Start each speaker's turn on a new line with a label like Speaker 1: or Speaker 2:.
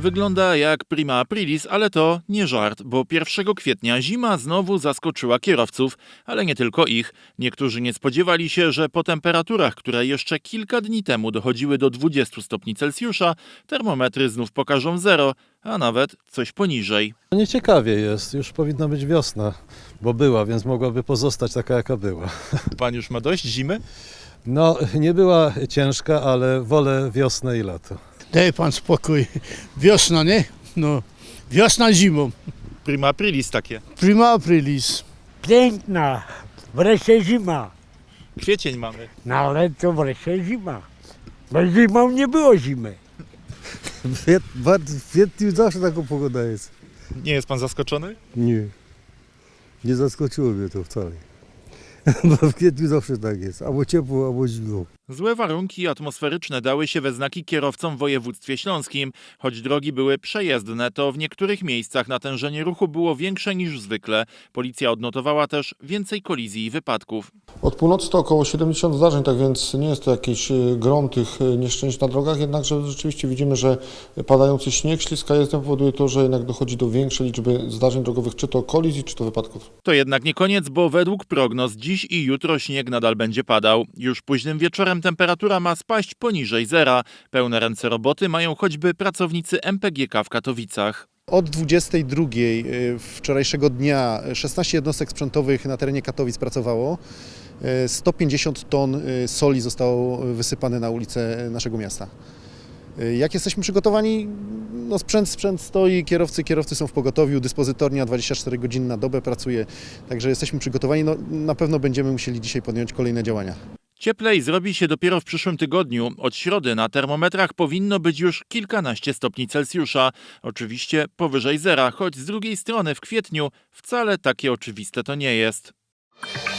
Speaker 1: Wygląda jak prima aprilis, ale to nie żart, bo 1 kwietnia zima znowu zaskoczyła kierowców, ale nie tylko ich. Niektórzy nie spodziewali się, że po temperaturach, które jeszcze kilka dni temu dochodziły do 20 stopni Celsjusza, termometry znów pokażą 0, a nawet coś poniżej.
Speaker 2: Nieciekawie jest, już powinna być wiosna, bo była, więc mogłaby pozostać taka jaka była.
Speaker 1: Pan już ma dość zimy?
Speaker 2: No, nie była ciężka, ale wolę wiosnę i lato.
Speaker 3: Daj pan spokój. Wiosna, nie? No. Wiosna zimą.
Speaker 1: Prima aprilis takie.
Speaker 3: Prima aprilis.
Speaker 4: Piękna, wreszcie zima.
Speaker 1: Kwiecień mamy.
Speaker 4: No ale to wreszcie zima. Bo zimą nie było zimy.
Speaker 5: W kwietniu zawsze taka pogoda jest.
Speaker 1: Nie jest pan zaskoczony?
Speaker 5: Nie. Nie zaskoczyło mnie to wcale. Bo w kwietniu zawsze tak jest. Albo ciepło, albo zimno.
Speaker 1: Złe warunki atmosferyczne dały się we znaki kierowcom w województwie śląskim. Choć drogi były przejezdne, to w niektórych miejscach natężenie ruchu było większe niż zwykle. Policja odnotowała też więcej kolizji i wypadków.
Speaker 6: Od północy to około 70 zdarzeń, tak więc nie jest to jakiś grom tych nieszczęść na drogach, jednakże rzeczywiście widzimy, że padający śnieg, śliska jezdnia powoduje to, że jednak dochodzi do większej liczby zdarzeń drogowych, czy to kolizji, czy to wypadków.
Speaker 1: To jednak nie koniec, bo według prognoz dziś i jutro śnieg nadal będzie padał. Już późnym wieczorem temperatura ma spaść poniżej 0. Pełne ręce roboty mają choćby pracownicy MPGK w Katowicach.
Speaker 7: Od 22 wczorajszego dnia 16 jednostek sprzętowych na terenie Katowic pracowało. 150 ton soli zostało wysypane na ulice naszego miasta. Jak jesteśmy przygotowani? No sprzęt stoi, kierowcy są w pogotowiu, dyspozytornia 24 godziny na dobę pracuje, także jesteśmy przygotowani. No, na pewno będziemy musieli dzisiaj podjąć kolejne działania.
Speaker 1: Cieplej zrobi się dopiero w przyszłym tygodniu. Od środy na termometrach powinno być już kilkanaście stopni Celsjusza. Oczywiście powyżej 0, choć z drugiej strony w kwietniu wcale takie oczywiste to nie jest.